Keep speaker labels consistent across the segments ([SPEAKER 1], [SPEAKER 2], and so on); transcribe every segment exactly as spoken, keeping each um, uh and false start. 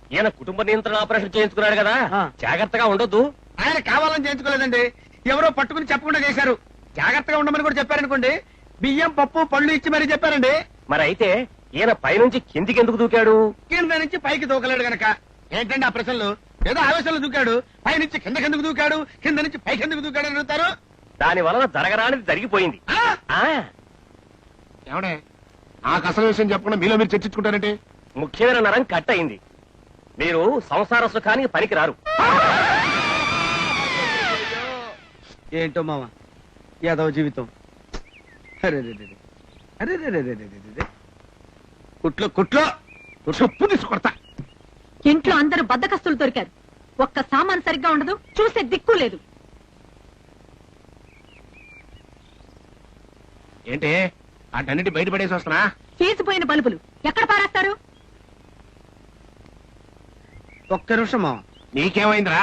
[SPEAKER 1] ఈయన కుటుంబ నియంత్రణ ఆపరేషన్ చేయించుకున్నాడు కదా, జాగ్రత్తగా ఉండొద్దు.
[SPEAKER 2] ఆయన కావాలని చేయించుకోలేదండి, ఎవరో పట్టుకుని చెప్పకుండా చేశారు. జాగ్రత్తగా ఉండమని కూడా చెప్పారనుకోండి, బియ్యం పప్పు పళ్ళు ఇచ్చి మరీ చెప్పారండి.
[SPEAKER 1] మరి అయితే ఈయన పైనుంచి కిందికి ఎందుకు దూకాడు?
[SPEAKER 2] కింద నుంచి పైకి దూకలేడు గనక. ఏంటండి ఆ ప్రశ్నలు? ఏదో ఆవేశంలో దూకాడు, పై నుంచి కింద కిందకు దూకాడు, కింద నుంచి పైకి ఎందుకు దూకాడు అని అడుగుతారు.
[SPEAKER 1] దాని వలన జరగరానిది జరిగిపోయింది.
[SPEAKER 3] ఏమడే నాకు అసలు విషయం చెప్పకుండా మీలో మీరు చర్చించుకుంటారంటే?
[SPEAKER 1] ముఖ్యమైన నరం కట్ అయింది. మీరు సంసార సుఖానికి పనికి రారు.
[SPEAKER 2] ఏంటో మామ యాదవ జీవితం. అరే అరే కుట్లో కుట్లో
[SPEAKER 3] చెప్పు తీసుకొడతా.
[SPEAKER 4] ఇంట్లో అందరూ బద్దకస్తులు దొరికారు. ఒక్క సామాన్ సరిగ్గా ఉండదు, చూసే దిక్కు లేదు.
[SPEAKER 3] ఏంటి అటన్నిటి బయటపడేసి వస్తున్నా?
[SPEAKER 4] తీసిపోయిన బల్బులు ఎక్కడ పారేస్తారు?
[SPEAKER 2] ఒక్క నిమిషం మామ.
[SPEAKER 3] నీకేమైందిరా?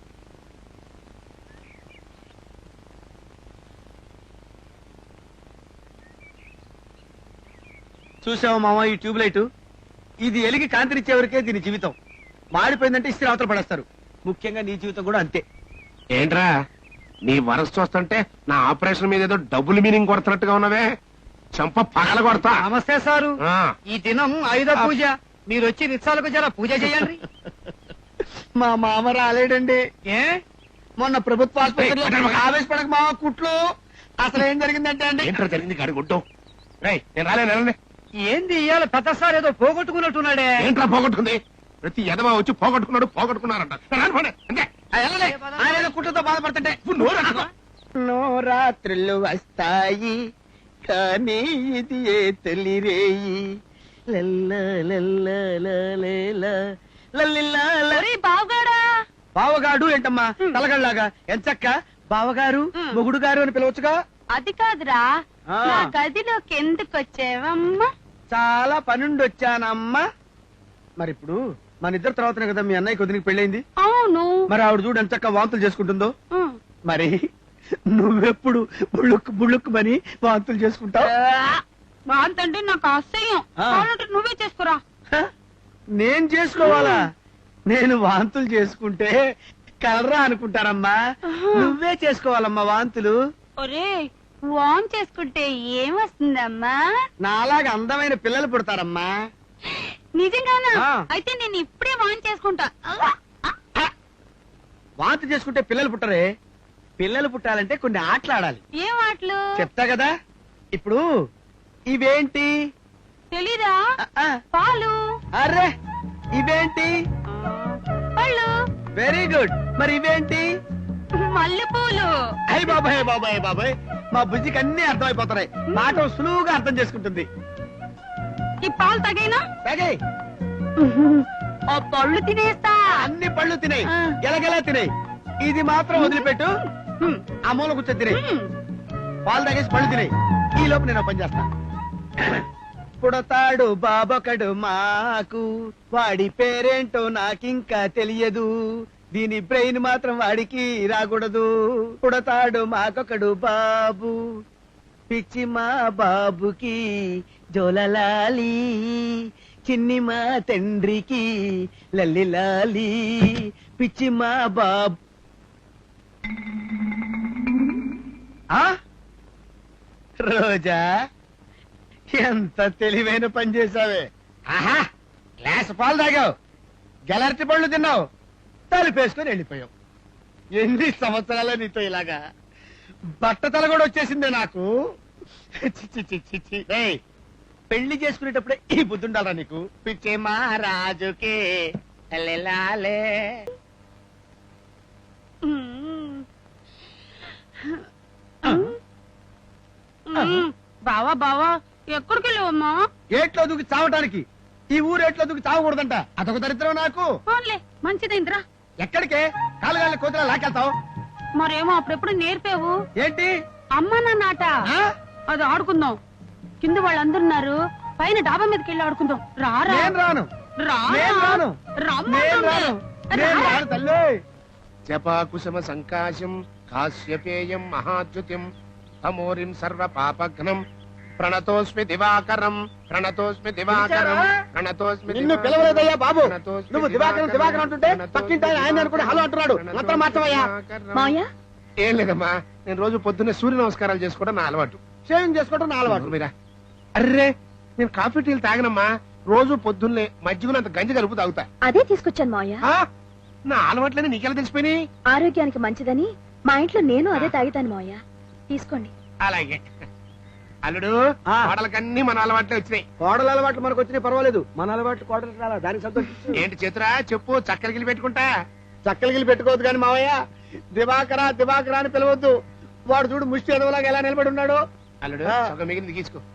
[SPEAKER 2] చూసావా మామ ఈ ట్యూబ్ లైట్? ఇది ఎలిగి కాంతినిచ్చే వరకే దీని జీవితం. మాడిపోయిందంటే ఇస్త్రీ అవతల పడేస్తారు. ముఖ్యంగా నీ జీవితం కూడా అంతే.
[SPEAKER 3] ఏంట్రా నీ వరస చూస్తుంటే నా ఆపరేషన్ మీద ఏదో డబుల్ మీనింగ్ కొడుతున్నట్టుగా ఉన్నావే. చంప పగల కొడతా.
[SPEAKER 2] నమస్తే సారు.
[SPEAKER 5] ఈ దినం ఆయుధ పూజ, మీరు వచ్చి నిత్సాలకు జర పూజ చేయండి.
[SPEAKER 2] మా మామ రాలేడండి. ఏ మొన్న ప్రభుత్వ ఆసుపత్రిలో ఆవేశపడక మామ కుట్లు. అసలు ఏం జరిగిందంటే అండి.
[SPEAKER 3] ఏంట్రా జరిగింది గాడి గుడ్డు? నేను రాలేను.
[SPEAKER 5] ఏంది ఇవాళ పెద్ద సార్ ఏదో పోగొట్టుకున్నట్టున్నాడే.
[SPEAKER 3] ఏంట్రా పోగొట్టుకుంది? ప్రతి ఎదవా వచ్చి పోగొట్టుకున్నాడు పోగొట్టుకున్నారంట.
[SPEAKER 2] ఆయన కుట్లతో బాధపడుతుంటే నోరాత్రులు వస్తాయి కానీ ఇది ఏ తొలిరేయి. బావగాడు ఏంటమ్మా తలగళ్ళలాగా? ఎంచక్క బావగారు మొగుడు గారు అని పిలవచ్చుగా.
[SPEAKER 4] అది కాదురా, నా గదిలోకి ఎందుకు వచ్చేవమ్మా?
[SPEAKER 2] చాలా పనుండి వచ్చానమ్మా. మరి ఇప్పుడు మన ఇద్దరు తర్వాతనే కదా మీ అన్నయ్య కొద్దికి పెళ్ళైంది.
[SPEAKER 4] అవును.
[SPEAKER 2] మరి ఆవిడ చూడు ఎంచక్క వాంతులు చేసుకుంటుందో. మరి నువ్వెప్పుడు బుళ్ళుక్కు బుళ్ళుక్కు మని వాంతులు చేసుకుంటావు?
[SPEAKER 4] వాంతంటే నాకు అసహ్యం. నువ్వే చేసుకురా.
[SPEAKER 2] నేను చేసుకోవాలా? నేను వాంతులు చేసుకుంటే కలరా అనుకుంటారమ్మా. నువ్వే చేసుకోవాలమ్మా వాంతులు.
[SPEAKER 4] ఒరే వాన్ చేసుకుంటే ఏం వస్తుందమ్మా?
[SPEAKER 2] నాలాగా అందమైన పిల్లలు పుడతారమ్మా.
[SPEAKER 4] నిజంగానా? అయితే నేను ఇప్పుడే వాన్ చేసుకుంటా.
[SPEAKER 2] వాంతి చేసుకుంటే పిల్లలు పుట్టరే. పిల్లలు పుట్టాలంటే కొన్ని ఆటలు ఆడాలి.
[SPEAKER 4] ఏం ఆటలు?
[SPEAKER 2] చెప్తా కదా. ఇప్పుడు ఇవేంటి
[SPEAKER 4] తెలీదా? పాలు.
[SPEAKER 2] అరే ఇవేంటి?
[SPEAKER 4] పళ్ళు.
[SPEAKER 2] Very good. మరి ఇవేంటి?
[SPEAKER 4] మల్లెపూలు.
[SPEAKER 2] అయ్యి బాబాయ్ బాబాయ్ బాబాయ్ మా బుజ్జికి అన్ని అర్థమైపోతున్నాయి. మాట సులువుగా అర్థం చేసుకుంటుంది.
[SPEAKER 4] ఈ పాలు తగైనా
[SPEAKER 2] తగాయి.
[SPEAKER 4] ఆ పళ్ళు తినేస్తా.
[SPEAKER 2] అన్ని పళ్ళు తినేయి, గెలగెలా తినేయి. ఇది మాత్రం వదిలిపెట్టు. ఆ మూల కూర్చొని తినేయి. పాలు తాగేసి పళ్ళు తినేయి. ఈ లోపు నేను పని చేస్తా. పుడతాడు బాబొకడు మాకు, వాడి పేరేంటో నాకింకా తెలియదు. దీని బ్రెయిన్ మాత్రం వాడికి రాకూడదు. పుడతాడు మాకొకడు బాబు, పిచ్చి మా బాబుకి జోలలాలి, చిన్ని మా తండ్రికి లల్లి లాలి, పిచ్చి మా బాబు. రోజా ఎంత తెలివైన పని చేసావే. ఆహా గ్లాస్ పాలు తాగావు, గెలర్టి పళ్ళు తిన్నావు, తలుపేసుకొని వెళ్ళిపోయావు. ఎన్ని సంవత్సరాల నీతో ఇలాగా? బట్టతల కూడా వచ్చేసిందే నాకు. పెళ్లి చేసుకునేటప్పుడే ఈ బుద్ధి ఉండాలా నీకు? పిచ్చే మహారాజుకే లెలాలే.
[SPEAKER 4] బావా బావా ఎక్కడికి వెళ్ళావమ్మా?
[SPEAKER 2] ఏట్లో దూకి చావటానికి. ఈ ఊరు ఏట్లో దూకి చావకూడదంట. అదొక దరిద్రం నాకు.
[SPEAKER 4] మంచిదైందిరా.
[SPEAKER 2] ఎక్కడికే? కాలుగాళ్ళ కోతులా లాకెళ్తావు?
[SPEAKER 4] మరేమో అప్పుడెప్పుడు నేర్పావు.
[SPEAKER 2] ఏంటి?
[SPEAKER 4] అమ్మ నాట అది ఆడుకుందాం. కింద వాళ్ళందరున్నారు, పైన డాబా మీదకి వెళ్ళి ఆడుకుందాం. రారా.
[SPEAKER 2] నేను రాను. నేను రాను. నేను రాను. నేను రాను తల్లి.
[SPEAKER 3] జపాకుశమ సంకాశం కాశ్యపేయం మహాద్యుతిం అమోరిం సర్వ పాపఘ్నం ప్రణతోస్మి దివాకరం ప్రణతోస్మి దివాకరం ప్రణతోస్మి
[SPEAKER 2] నిన్ను పిలవలేదయ్యా బాబు. నువ్వు దివాకరం దివాకరం అంటుంటే పక్కింటి ఆయన ఆయన అనుకుంటే హలో అంటున్నాడు. మంత్రం మార్చవయ్యా.
[SPEAKER 4] మావయ్య
[SPEAKER 3] ఏం లేదమ్మా, నేను రోజు పొద్దున్నే సూర్య నమస్కారాలు చేసుకోవడం నా అలవాటు.
[SPEAKER 2] షేవింగ్ చేసుకోవడం నా అలవాటు.
[SPEAKER 3] మీరా అర్రే, నేను కాఫీ టీలు తాగనమ్మా. రోజు పొద్దున్నే మజ్జిగనంత గంజి కలుపు తాగుతా.
[SPEAKER 6] అదే తీసుకొచ్చాను మావయ్య.
[SPEAKER 3] ఆ? నా అలవాట్లని నీకెలా తెలిసిపోయినాయి?
[SPEAKER 6] ఆరోగ్యానికి మంచిదని మా ఇంట్లో నేను అదే తాగుతాను మావయ్య. తీసుకోండి.
[SPEAKER 3] అలాగే అల్లుడు,
[SPEAKER 2] ఆ.
[SPEAKER 3] కోడలకన్నీ మన అలవాట్లే వచ్చినాయి.
[SPEAKER 2] కోడల అలవాట్లు మనకు వచ్చినాయి పర్వాలేదు. మన అలవాట్లు కోడలు రాలా, దానికి సంతోషం.
[SPEAKER 3] ఏంటి చేతురా చెప్పు, చక్కరగిలి పెట్టుకుంటా.
[SPEAKER 2] చక్కలిగిలి పెట్టుకోవద్దు కానీ మావయ్య, దివాకరా దివాకరా అని పిలవద్దు. వాడు చూడు ముష్టి ఎదవలాగా ఎలా నిలబడి ఉన్నాడు.
[SPEAKER 3] అల్లుడు
[SPEAKER 2] ఆ.
[SPEAKER 3] సగం మిగిలింది తీసుకో.